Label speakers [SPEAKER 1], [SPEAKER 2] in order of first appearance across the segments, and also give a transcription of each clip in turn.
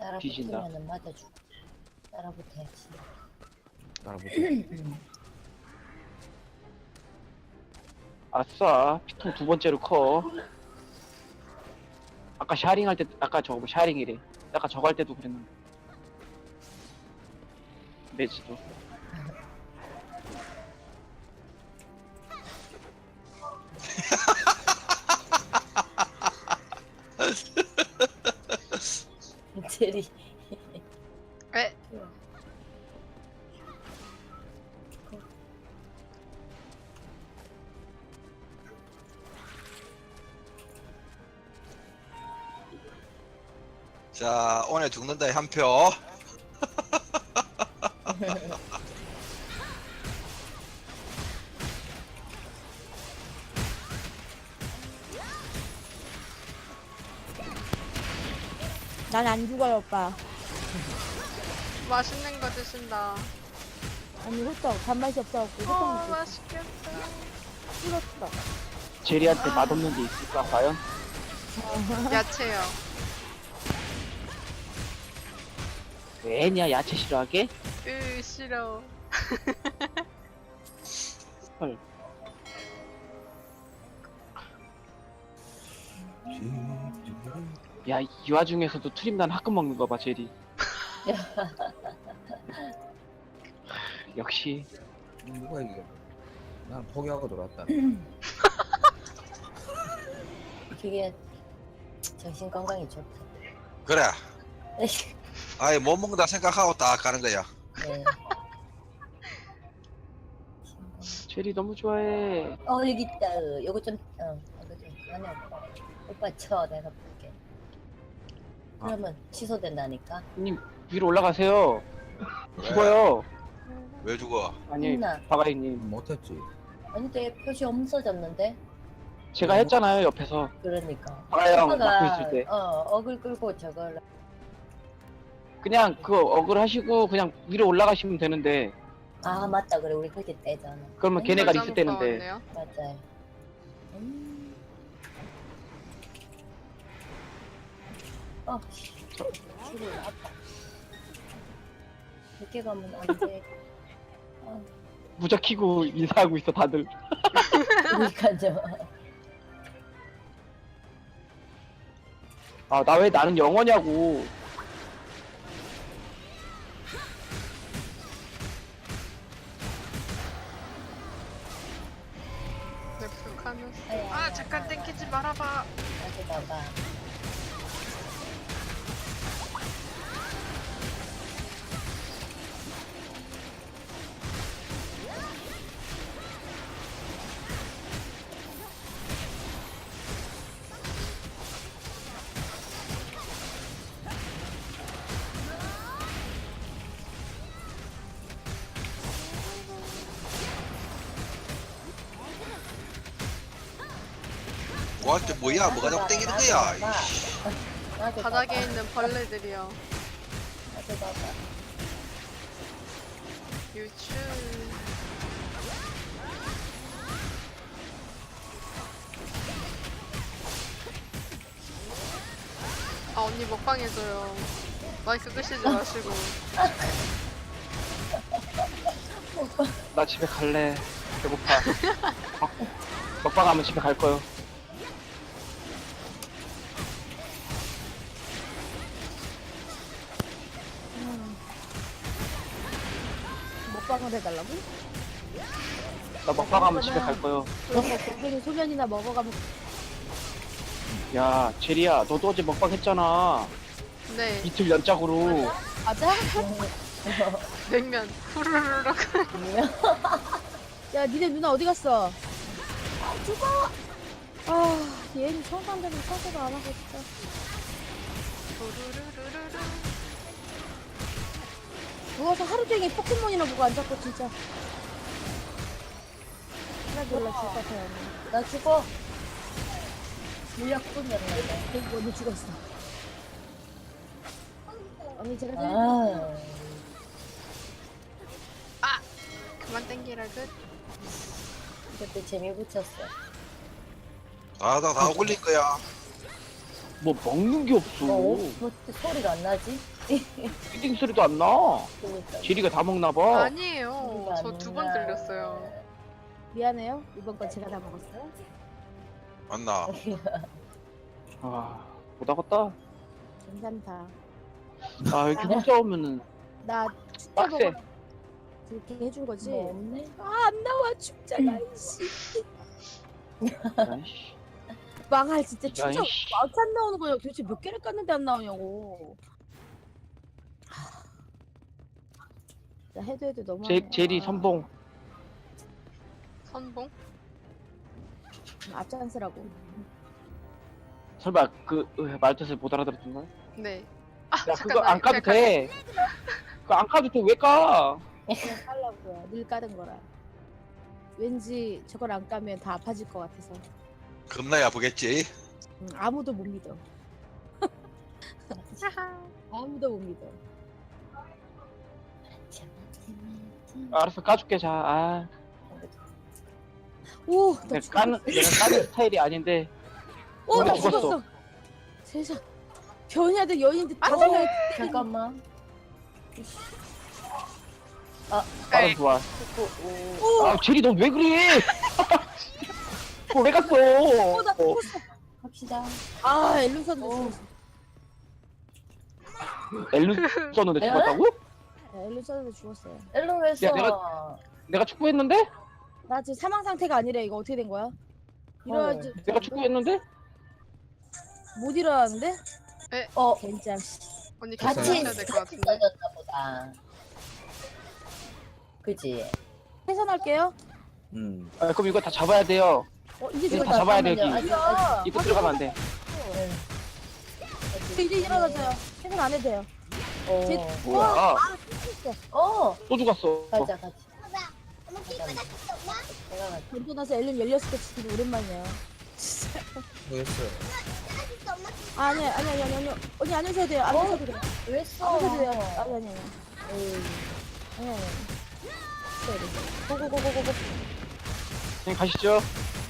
[SPEAKER 1] 따라
[SPEAKER 2] 뒤진다.
[SPEAKER 1] 붙으면은 맞아주고. 따라 붙어야지.
[SPEAKER 3] 따라보자.
[SPEAKER 2] 아싸, 피통 두 번째로 커. 아까 샤링 할 때, 아까 저거 샤링이래. 아까 저거 할 때도 그랬는데. 매지도.
[SPEAKER 1] 제리.
[SPEAKER 4] 에?
[SPEAKER 5] 자, 오늘 죽는다의 한 표.
[SPEAKER 6] 난 안 죽어요, 오빠.
[SPEAKER 4] 맛있는 거 드신다.
[SPEAKER 6] 아니, 호떡. 단맛이 없어갖고, 호떡 먹고
[SPEAKER 4] 맛있겠다.
[SPEAKER 6] 찍었어.
[SPEAKER 2] 제리한테 맛없는 게 있을까, 과연?
[SPEAKER 4] 야채요.
[SPEAKER 2] 왜냐, 야채 싫어하게?
[SPEAKER 4] 싫어.
[SPEAKER 2] 헐. 야, 이 와중에서도 트림난 화끈 먹는 거 봐, 제리. 역시.
[SPEAKER 3] 누가 이겨? 난 포기하고 돌아왔다.
[SPEAKER 1] 그게 정신 건강에 좋다.
[SPEAKER 5] 그래. 아예 못 먹는다 생각하고 딱 가는 거야.
[SPEAKER 1] 네.
[SPEAKER 2] 제리 너무 좋아해.
[SPEAKER 1] 여기 있다. 요거 좀, 이거 좀, 안에 오빠. 오빠 쳐, 내가 볼게. 그러면 취소된다니까?
[SPEAKER 2] 형님, 위로 올라가세요.
[SPEAKER 5] 왜?
[SPEAKER 2] 죽어요.
[SPEAKER 5] 왜 죽어?
[SPEAKER 2] 아니,
[SPEAKER 1] 했나?
[SPEAKER 2] 바가이님.
[SPEAKER 3] 못했지.
[SPEAKER 1] 아니, 내 표시 없어졌는데?
[SPEAKER 2] 제가 했잖아요, 옆에서.
[SPEAKER 1] 그러니까.
[SPEAKER 2] 바가이 형
[SPEAKER 1] 오빠가,
[SPEAKER 2] 막고 있을 때.
[SPEAKER 1] 억을 끌고 저걸.
[SPEAKER 2] 그냥 그거 억을 하시고 그냥 위로 올라가시면 되는데
[SPEAKER 1] 아, 맞다. 그래. 우리 그렇게 떼잖아.
[SPEAKER 2] 그러면 걔네가
[SPEAKER 4] 점프
[SPEAKER 2] 리셋되는데.
[SPEAKER 4] 나왔네요.
[SPEAKER 1] 맞아요. 씨. 줄을 아파. 늦게 가면 안 돼.
[SPEAKER 2] 무적 키고 인사하고 있어 다들.
[SPEAKER 1] 그러니까요.
[SPEAKER 2] 아, 나 왜 나는 영어냐고.
[SPEAKER 4] 네, 불카누스.
[SPEAKER 1] 아야,
[SPEAKER 4] 아, 잠깐 땡기지 말아봐.
[SPEAKER 1] 다시 봐봐.
[SPEAKER 5] 뭐한테 뭐야? 뭐가 자꾸 땡기는 거야?
[SPEAKER 1] 나도
[SPEAKER 4] 바닥에
[SPEAKER 1] 봐봐.
[SPEAKER 4] 있는 벌레들이요.
[SPEAKER 1] 나도 봐봐.
[SPEAKER 4] 유추. 아, 언니 먹방 해줘요. 마이크 끄시지 마시고.
[SPEAKER 2] 나 집에 갈래. 배고파. 먹방 하면 집에 갈 거요.
[SPEAKER 6] 먹방을 해달라고?
[SPEAKER 2] 나 먹방 하면 집에 갈 거요.
[SPEAKER 6] 그런 거 고기는 소면이나 먹어가면
[SPEAKER 2] 야, 제리야, 너도 어제 먹방 했잖아.
[SPEAKER 4] 네,
[SPEAKER 2] 이틀 연짝으로.
[SPEAKER 6] 맞아?
[SPEAKER 4] 냉면. 후루루룩.
[SPEAKER 6] 야, 니네 누나 어디 갔어? 죽어! 아, 얘는 청산되면 청소도 안 하고 진짜.
[SPEAKER 4] 후루루루루루.
[SPEAKER 6] 누워서 하루 종일 포켓몬이나 보고 앉았고 진짜. 하나도 올라 죽을 것 같아요. 언니.
[SPEAKER 1] 나 죽어. 물약뿐이었는데.
[SPEAKER 6] 그리고 언니 죽었어. 언니 제가
[SPEAKER 1] 아,
[SPEAKER 4] 그만 땡기라 끝.
[SPEAKER 1] 그때 재미 붙였어.
[SPEAKER 5] 다 올릴 거야.
[SPEAKER 2] 뭐 먹는 게 없어.
[SPEAKER 1] 뭐 소리가 안 나지?
[SPEAKER 2] 피딩 소리도 안 나.
[SPEAKER 1] 그러니까.
[SPEAKER 2] 제리가 다 먹나 봐.
[SPEAKER 4] 아니에요. 저 두 번 들렸어요.
[SPEAKER 6] 미안해요. 이번 건 제가 다 먹었어요.
[SPEAKER 5] 맞나?
[SPEAKER 2] 아, 못 하겠다.
[SPEAKER 6] 괜찮다.
[SPEAKER 2] 아, 이렇게 혼자 오면은
[SPEAKER 6] 나 축제
[SPEAKER 2] 빡세.
[SPEAKER 6] 먹어. 그렇게 해준 거지.
[SPEAKER 1] 뭐 없네?
[SPEAKER 6] 아, 안 나와 축제가 이씨.
[SPEAKER 2] 아이씨.
[SPEAKER 6] 망할 진짜 축제
[SPEAKER 2] 아이씨.
[SPEAKER 6] 막안 나오는 거야. 도대체 몇 개를 깠는데 안 나오냐고. 나 해도 너무.
[SPEAKER 2] 제리 선봉.
[SPEAKER 4] 선봉?
[SPEAKER 6] 앞장서라고.
[SPEAKER 2] 설마 말 뜻을 못 알아들었던 거야?
[SPEAKER 4] 네. 아
[SPEAKER 2] 야,
[SPEAKER 4] 잠깐
[SPEAKER 2] 그거
[SPEAKER 4] 나
[SPEAKER 2] 안 까도
[SPEAKER 4] 그냥
[SPEAKER 2] 돼. 그거 안 까도 돼. 왜 까?
[SPEAKER 6] 그냥 깔라고요. 늘 까는 거라. 왠지 저걸 안 까면 다 아파질 것 같아서.
[SPEAKER 5] 겁나야 아프겠지?
[SPEAKER 6] 아무도 못 믿어. 아무도 못 믿어.
[SPEAKER 2] 알았어, 까줄게. 자, 아,
[SPEAKER 6] 오, 나
[SPEAKER 2] 내가
[SPEAKER 6] 죽었어.
[SPEAKER 2] 내가 까는 스타일이 아닌데.
[SPEAKER 6] 오, 나
[SPEAKER 2] 내가 죽었어.
[SPEAKER 6] 죽었어. 세상. 변이하던 여인들 다
[SPEAKER 1] 어,
[SPEAKER 6] 죽어.
[SPEAKER 1] 잠깐만.
[SPEAKER 2] 빠른 좋아.
[SPEAKER 6] 오,
[SPEAKER 2] 아, 제리 너 왜 그래? 왜 갔어?
[SPEAKER 6] 나 죽었어.
[SPEAKER 1] 갑시다.
[SPEAKER 6] 아, 엘루선도
[SPEAKER 1] 오.
[SPEAKER 6] 죽었어.
[SPEAKER 2] 엘루 썼는데
[SPEAKER 1] 내가?
[SPEAKER 2] 죽었다고?
[SPEAKER 6] 엘루선도 죽었어요.
[SPEAKER 1] 일로 했어.
[SPEAKER 2] 야, 내가 축구했는데?
[SPEAKER 6] 나 지금 사망 상태가 아니래. 이거 어떻게 된 거야? 일어나지.
[SPEAKER 2] 내가 축구했는데?
[SPEAKER 6] 못 일어나는데?
[SPEAKER 1] 어,
[SPEAKER 6] 젠장.
[SPEAKER 4] 언니
[SPEAKER 1] 같이
[SPEAKER 4] 같이 해야 될 것
[SPEAKER 1] 같이
[SPEAKER 4] 같은데.
[SPEAKER 1] 써졌나 보다. 그지?
[SPEAKER 6] 해산할게요.
[SPEAKER 2] 아, 그럼 이거 다 잡아야 돼요.
[SPEAKER 6] 이제
[SPEAKER 2] 이거
[SPEAKER 6] 죽었다.
[SPEAKER 2] 다 잡아야 돼, 여기.
[SPEAKER 6] 야,
[SPEAKER 2] 이거 들어가면 안 돼.
[SPEAKER 6] 이제 일어나서요. 해산 안 해도 돼요. 제-
[SPEAKER 1] 어,
[SPEAKER 2] 뭐야? 또 죽었어.
[SPEAKER 1] 가자, 가자. 내가 가자.
[SPEAKER 6] 던져 나서 엘룬 열렸을 때 진짜 오랜만이야.
[SPEAKER 3] 뭐였어요?
[SPEAKER 6] 아니. 언니 안 하셔도 돼요. 안 하셔도 돼요.
[SPEAKER 1] 왜
[SPEAKER 6] 안
[SPEAKER 1] 써?
[SPEAKER 6] 하셔도 돼요. 아니.
[SPEAKER 1] 에이,
[SPEAKER 6] 아니. 고고고고고고.
[SPEAKER 2] 그냥 가시죠.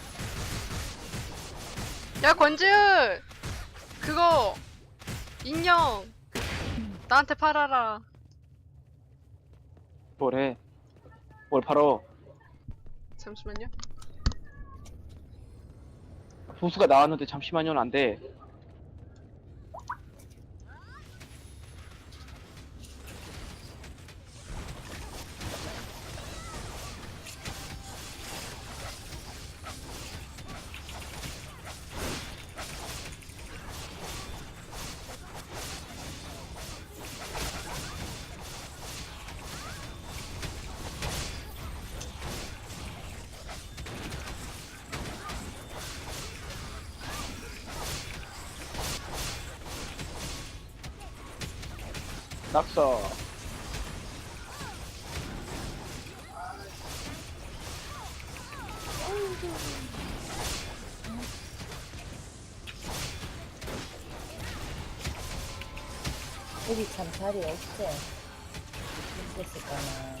[SPEAKER 4] 야 권지은 그거 인형 나한테 팔아라.
[SPEAKER 2] 뭐래? 뭘 팔어?
[SPEAKER 4] 잠시만요.
[SPEAKER 2] 보수가 나왔는데 잠시만요는 안 돼. 낙서.
[SPEAKER 1] 여기 참 자리 없지? 있었을까나.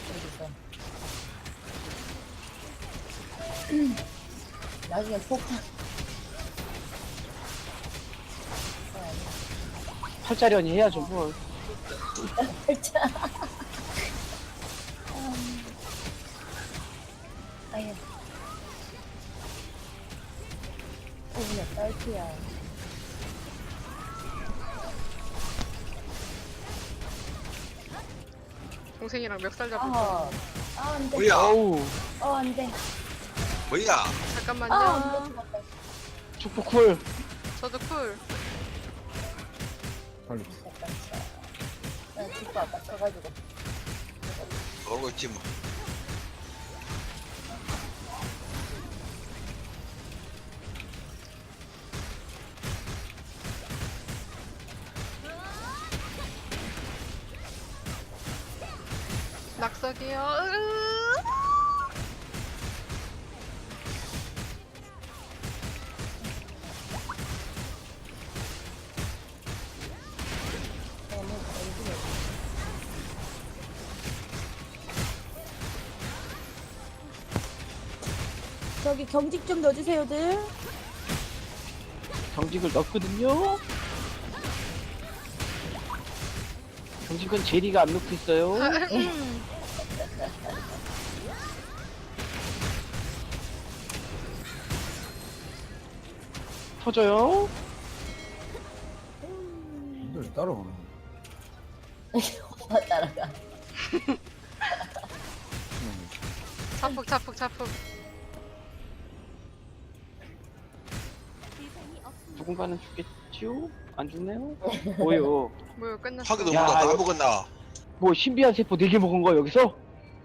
[SPEAKER 1] 여기서. 나중에 폭탄.
[SPEAKER 2] 8자리 해야죠, 뭘.
[SPEAKER 1] 진짜. 아유. 그냥 딸피야.
[SPEAKER 4] 동생이랑 멱살 잡을
[SPEAKER 1] 아,
[SPEAKER 4] 거.
[SPEAKER 1] 안 돼.
[SPEAKER 5] 뭐야?
[SPEAKER 2] 어우,
[SPEAKER 1] 안 돼.
[SPEAKER 5] 뭐야?
[SPEAKER 4] 잠깐만요.
[SPEAKER 1] 안 돼. 죽었다.
[SPEAKER 2] 축구 쿨.
[SPEAKER 4] 저도 쿨.
[SPEAKER 3] 빨리.
[SPEAKER 1] 잠깐. 나 죽고 아까 쳐가지고.
[SPEAKER 5] 모르고 있지 뭐.
[SPEAKER 4] 낙석이요.
[SPEAKER 6] 저기 경직 좀 넣어주세요들.
[SPEAKER 2] 경직을 넣었거든요. 경직은 제리가 안 넣고 있어요. 터져요.
[SPEAKER 3] 힘들 따라오네.
[SPEAKER 1] 오빠 따라가.
[SPEAKER 4] 자폭.
[SPEAKER 2] 누군가는 죽겠지요? 안 죽네요? 뭐요?
[SPEAKER 4] 뭐야 끝났어.
[SPEAKER 5] 하기도
[SPEAKER 2] 야,
[SPEAKER 5] 몰라 다
[SPEAKER 2] 이거-
[SPEAKER 5] 먹었나.
[SPEAKER 2] 뭐 신비한 세포 4개 먹은 거야 여기서?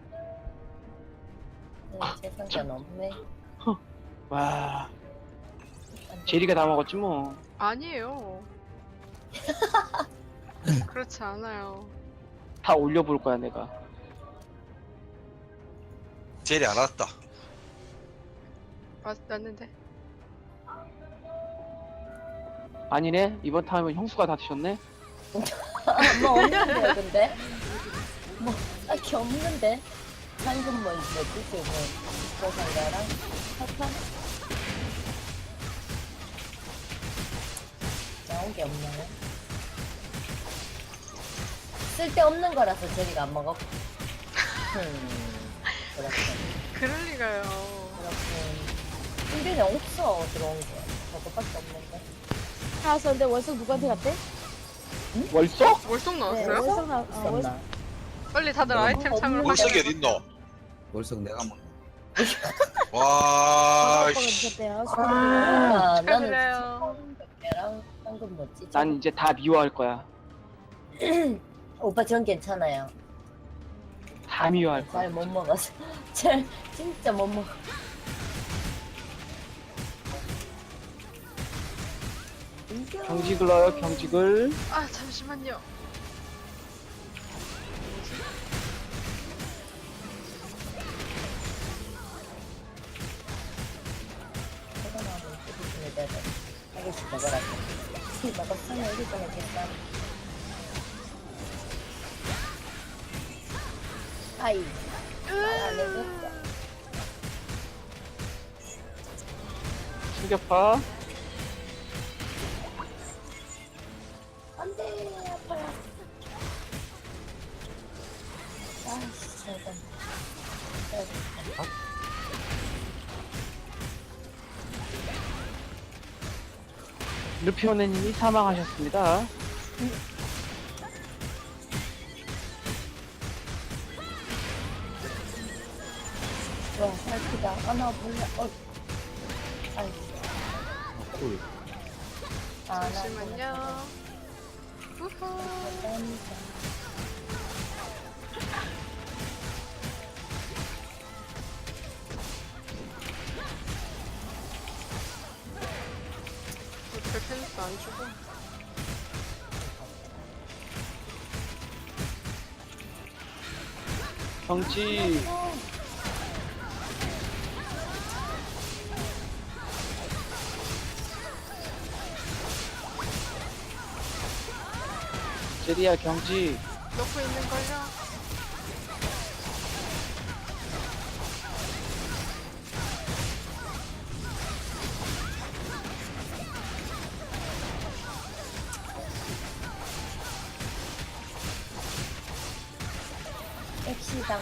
[SPEAKER 1] 제 상관 없네.
[SPEAKER 2] 와 제리가 다 먹었지 뭐.
[SPEAKER 4] 아니에요. 그렇지 않아요.
[SPEAKER 2] 다 올려볼 거야 내가.
[SPEAKER 5] 젤이 안 왔다.
[SPEAKER 4] 맞는데.
[SPEAKER 2] 아니네 이번 타임은 형수가 다 드셨네.
[SPEAKER 1] 뭐 없는데요, 근데? 뭐 딱히 없는데? 방금 뭐 있었지, 지금? 보상가랑 사탕? 나온 게 없나요? 쓸데없는 거라서 제리가 안 먹어. 그렇군.
[SPEAKER 4] 그럴 리가요.
[SPEAKER 1] 그렇군. 준비는 없어, 들어온 거. 저거밖에 없는데.
[SPEAKER 6] 알았어. 근데 월석 누구한테 갔대?
[SPEAKER 2] 월석?
[SPEAKER 4] 월속
[SPEAKER 1] 네,
[SPEAKER 4] 나왔어요?
[SPEAKER 6] 월석 나.
[SPEAKER 1] 있었나?
[SPEAKER 4] 빨리 다들 아이템 창을
[SPEAKER 5] 월석이
[SPEAKER 4] 확인해.
[SPEAKER 5] 어딨노?
[SPEAKER 3] 월석 내가 먹.
[SPEAKER 5] 와,
[SPEAKER 6] 아빠가
[SPEAKER 5] 씨.
[SPEAKER 6] 드셨대요.
[SPEAKER 1] 나는
[SPEAKER 4] 축하드려요.
[SPEAKER 1] 처음 방금 뭐지?
[SPEAKER 2] 난 이제 다 미워할 거야.
[SPEAKER 1] 오빠 전 괜찮아요.
[SPEAKER 2] 다 미워할 거야.
[SPEAKER 1] 잘 못 먹어서. 잘 진짜 못 먹어.
[SPEAKER 2] 경직을 넣어요 경직을.
[SPEAKER 4] 아 잠시만요.
[SPEAKER 1] 저거 나오면 뜯으시면 돼요. 아저씨 먹으라고. 술 먹었으면 우리 거는 괜찮아. 아이. 말안 해줬어.
[SPEAKER 2] 충격파.
[SPEAKER 1] 안 돼, 아파요. 아이씨, 잠깐.
[SPEAKER 2] 루피오네님이 사망하셨습니다.
[SPEAKER 1] 와, 살피다. 아, 나 몰라. 아이씨.
[SPEAKER 3] 꿀.
[SPEAKER 1] 아, 나
[SPEAKER 4] 잠시만요. 우후.
[SPEAKER 1] 감사합니다.
[SPEAKER 4] 별펜스 안 주고.
[SPEAKER 2] 경직. 제리야 경직.
[SPEAKER 4] 넣고 있는 걸요.
[SPEAKER 1] 엑시당.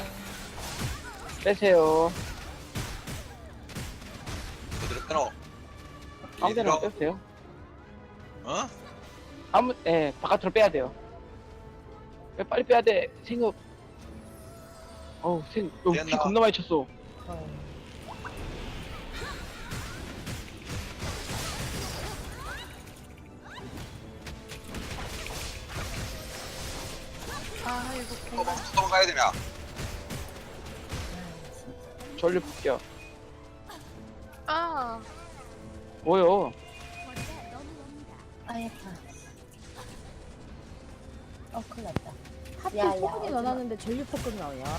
[SPEAKER 2] 빼세요.
[SPEAKER 5] 어디로 끊어?
[SPEAKER 2] 아무데나 빼세요.
[SPEAKER 5] 어?
[SPEAKER 2] 바깥으로 빼야 돼요. 빨리 빼야 돼. 생각. 피
[SPEAKER 5] 됐나?
[SPEAKER 2] 겁나 많이 쳤어.
[SPEAKER 4] 아 이거
[SPEAKER 5] 또 도망가야 되냐?
[SPEAKER 2] 전류 볼게요.
[SPEAKER 4] 아
[SPEAKER 2] 뭐요?
[SPEAKER 1] 아예파. 큰일 났다.
[SPEAKER 6] 하필
[SPEAKER 1] 야,
[SPEAKER 6] 포근이
[SPEAKER 1] 어디나.
[SPEAKER 6] 넣어놨는데 전류 포근 나오냐?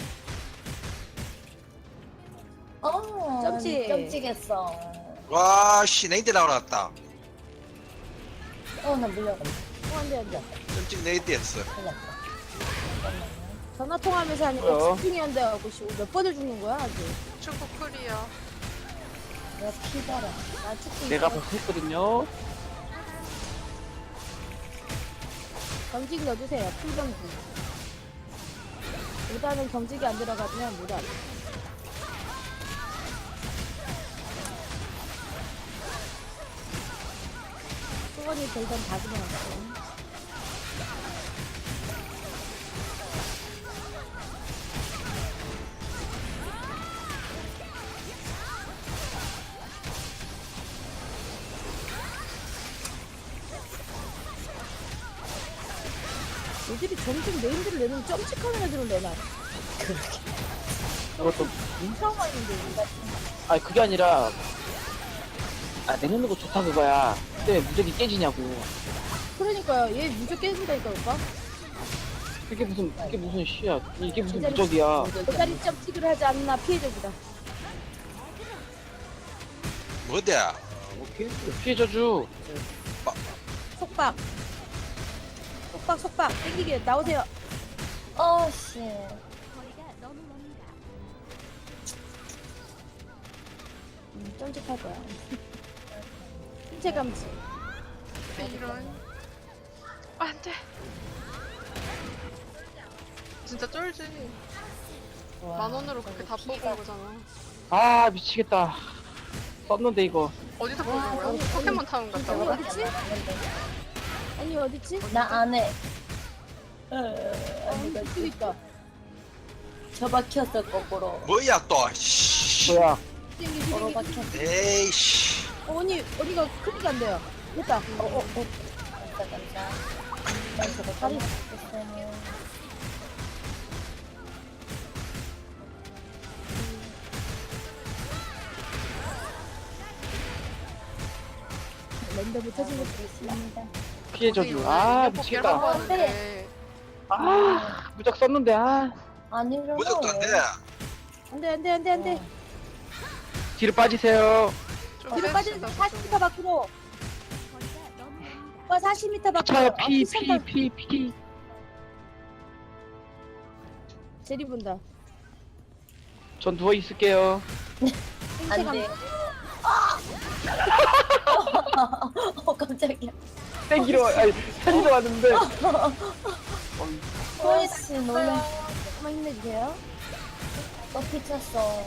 [SPEAKER 6] 점찍.
[SPEAKER 1] 점찍했어.
[SPEAKER 5] 와, 씨, 네이트 나왔다.
[SPEAKER 1] 나 물려간다.
[SPEAKER 6] 안돼 안돼.
[SPEAKER 5] 끔찍 네이트 했어.
[SPEAKER 1] 큰일 났다. 잠깐만요.
[SPEAKER 6] 전화 통화하면서 하니까
[SPEAKER 2] 뭐야?
[SPEAKER 6] 집중이 안 돼가고 몇 번을 죽는 거야 아주.
[SPEAKER 4] 축구 쿨이요.
[SPEAKER 1] 내가 피더라.
[SPEAKER 6] 나 축구
[SPEAKER 2] 내가
[SPEAKER 6] 있어.
[SPEAKER 2] 벌써 했거든요.
[SPEAKER 6] 경직 넣어주세요. 풀경직. 일단은 경직이 안 들어가면 못 알아. 수건이 별건 다 집어넣었어. 애들이 점점 네임들을 내놓으면 점찍하는 애들을 내놔.
[SPEAKER 2] 이것도
[SPEAKER 6] 인사가 있는데 우리가
[SPEAKER 2] 아니 그게 아니라 내놓는 거 좋다 그거야. 근데 무적이 깨지냐고.
[SPEAKER 6] 그러니까요. 얘 무적 깨진다니까 오빠.
[SPEAKER 2] 그게 무슨 씨야. 이게 무슨
[SPEAKER 6] 제자리-
[SPEAKER 2] 무적이야.
[SPEAKER 6] 제자리 점찍을 하지 않나 피해적이다.
[SPEAKER 5] 뭔데?
[SPEAKER 2] 피해 저주.
[SPEAKER 6] 속박. 속박 땡기게 나오세요.
[SPEAKER 1] 어씨.
[SPEAKER 6] 점찍할 거야. 신체 감지.
[SPEAKER 4] 이런. 안 돼. 진짜 쫄지. 만 원으로 그렇게 다 뽑은 거잖아.
[SPEAKER 2] 아 미치겠다. 썼는데 이거.
[SPEAKER 4] 어디서 뽑은 거야? 포켓몬 타운 갔다
[SPEAKER 6] 아니
[SPEAKER 4] 와.
[SPEAKER 6] 어딨지? 아니 어딨지?
[SPEAKER 1] 나 안 해.
[SPEAKER 6] 아니 저기 있다.
[SPEAKER 1] 처박혔어 거꾸로.
[SPEAKER 5] 뭐야 또? 씨.
[SPEAKER 2] 뭐야?
[SPEAKER 6] 땡기
[SPEAKER 1] 거꾸로
[SPEAKER 6] 땡기.
[SPEAKER 1] 박혔어.
[SPEAKER 5] 에이씨.
[SPEAKER 6] 언니가 클릭 안 돼요. 됐다.
[SPEAKER 1] 감사. 난 저거
[SPEAKER 6] 다리.
[SPEAKER 1] 까먹었어요.
[SPEAKER 6] 랜덤을 터진 거
[SPEAKER 1] 있습니다.
[SPEAKER 2] 피해 저주. 아 미치겠다.
[SPEAKER 4] 하는데
[SPEAKER 2] 아 무적 썼는데 아
[SPEAKER 1] 안 일어나.
[SPEAKER 5] 무적도 안 돼.
[SPEAKER 6] 안돼.
[SPEAKER 2] 뒤로 빠지세요.
[SPEAKER 4] 좀
[SPEAKER 6] 뒤로 빠지는
[SPEAKER 4] 뺍시다, 좀.
[SPEAKER 6] 40m 밖으로. 오빠 40m 밖으로.
[SPEAKER 2] 차요
[SPEAKER 6] 아,
[SPEAKER 2] 피.
[SPEAKER 6] 제리 본다.
[SPEAKER 2] 전 누워 있을게요.
[SPEAKER 6] 생체
[SPEAKER 1] 안 돼.
[SPEAKER 6] 감지.
[SPEAKER 1] 깜짝이야.
[SPEAKER 2] 땡기러 아니 살리러 왔는데.
[SPEAKER 1] 호이씨 놀라.
[SPEAKER 6] 조금만 힘내주세요.
[SPEAKER 1] 또 피쳤어.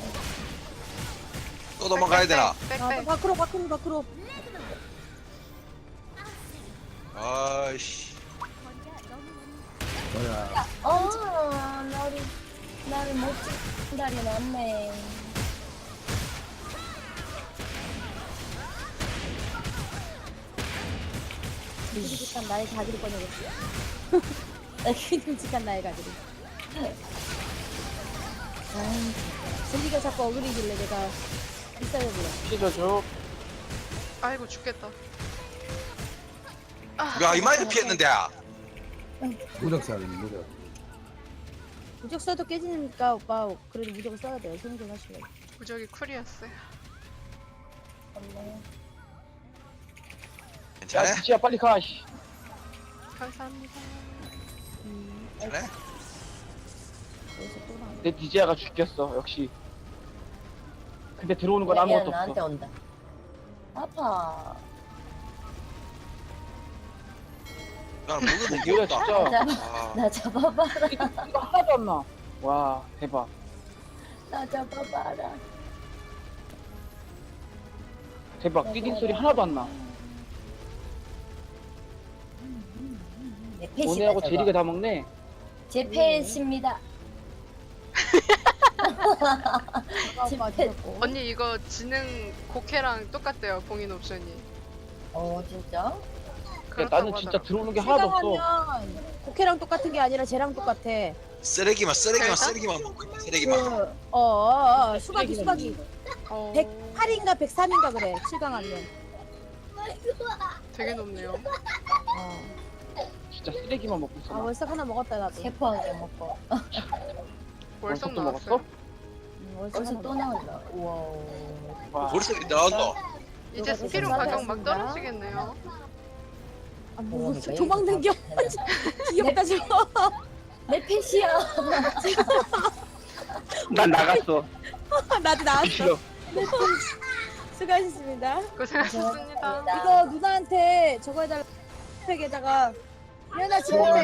[SPEAKER 5] 또 도망가야 되나?
[SPEAKER 4] 빽빽.
[SPEAKER 6] 밖으로.
[SPEAKER 5] 아이씨.
[SPEAKER 3] 뭐야.
[SPEAKER 1] 나를 못 찍은 날이 났네.
[SPEAKER 6] 끔찍한 나의 가지를 꺼내겠어. 끔찍한 나의 가지를. 제리가 자꾸 어그리길래 내가 비싸려고요.
[SPEAKER 2] 피해 저주.
[SPEAKER 4] 아이고 죽겠다.
[SPEAKER 5] 야 이마에 피했는데.
[SPEAKER 3] 무적사는 무적.
[SPEAKER 6] 무적 써도 깨지니까 오빠 그래도 무적을 써야 돼요. 생존하시면.
[SPEAKER 4] 무적이 쿨이었어요.
[SPEAKER 5] 괜찮아?
[SPEAKER 2] 야 지지야 빨리 가. 씨.
[SPEAKER 4] 감사합니다.
[SPEAKER 5] 그래?
[SPEAKER 6] 여기서 또 나와.
[SPEAKER 2] 내 디지아가 죽겠어 역시. 근데 들어오는 건
[SPEAKER 1] 얘
[SPEAKER 2] 아무것도
[SPEAKER 1] 나한테
[SPEAKER 2] 없어.
[SPEAKER 1] 온다. 아파.
[SPEAKER 5] 난 먹으면
[SPEAKER 2] 이거야
[SPEAKER 5] 귀엽다.
[SPEAKER 2] 진짜.
[SPEAKER 5] 아,
[SPEAKER 1] 나 잡아봐라.
[SPEAKER 2] 이거 하나도 안 나. 와 대박.
[SPEAKER 1] 나 잡아봐라.
[SPEAKER 2] 대박. 뛰는 소리 하나도 안 나.
[SPEAKER 1] 내 패시다
[SPEAKER 2] 오네하고
[SPEAKER 1] 저거.
[SPEAKER 2] 제리가 다 먹네.
[SPEAKER 1] 제 패십니다.
[SPEAKER 6] 오빠 죽었고.
[SPEAKER 4] 언니 이거 지능 곡해랑 똑같대요. 봉인 옵션이.
[SPEAKER 1] 진짜?
[SPEAKER 2] 그러니까 나는 진짜 들어오는 게 하나도 없어.
[SPEAKER 6] 실강하면 국회랑 똑같은 게 아니라 쟤랑 똑같아.
[SPEAKER 5] 쓰레기만
[SPEAKER 4] 그럴까?
[SPEAKER 5] 먹고 있다. 쓰레기만.
[SPEAKER 6] 수박이.
[SPEAKER 4] 어,
[SPEAKER 6] 108인가 103인가 그래. 실강하면.
[SPEAKER 4] 되게 높네요.
[SPEAKER 2] 진짜 쓰레기만 먹고 있어.
[SPEAKER 6] 아 월삭 하나 먹었다 나도.
[SPEAKER 1] 세포 한 개 먹고.
[SPEAKER 4] 월성
[SPEAKER 2] 또
[SPEAKER 4] 나왔어요.
[SPEAKER 2] 먹었어?
[SPEAKER 6] 월삭
[SPEAKER 1] 벌써
[SPEAKER 6] 하나
[SPEAKER 1] 또
[SPEAKER 6] 먹었다.
[SPEAKER 1] 나온다. 우와.
[SPEAKER 2] 와.
[SPEAKER 5] 벌써 나온다.
[SPEAKER 4] 이제
[SPEAKER 6] 누가
[SPEAKER 4] 스피로
[SPEAKER 6] 더
[SPEAKER 4] 가격 막
[SPEAKER 6] 쌌습니다.
[SPEAKER 4] 떨어지겠네요.
[SPEAKER 6] 아, 뭐
[SPEAKER 1] 그러니까
[SPEAKER 6] 도망 당겨. 귀엽다 저거.
[SPEAKER 1] 내 패시야.
[SPEAKER 2] 난 나갔어.
[SPEAKER 6] 나도 나왔어.
[SPEAKER 2] 싫어.
[SPEAKER 6] 수고하셨습니다.
[SPEAKER 4] 고생하셨습니다.
[SPEAKER 6] 이거 누나한테 저거 해달라. 팩에다가 누나 지금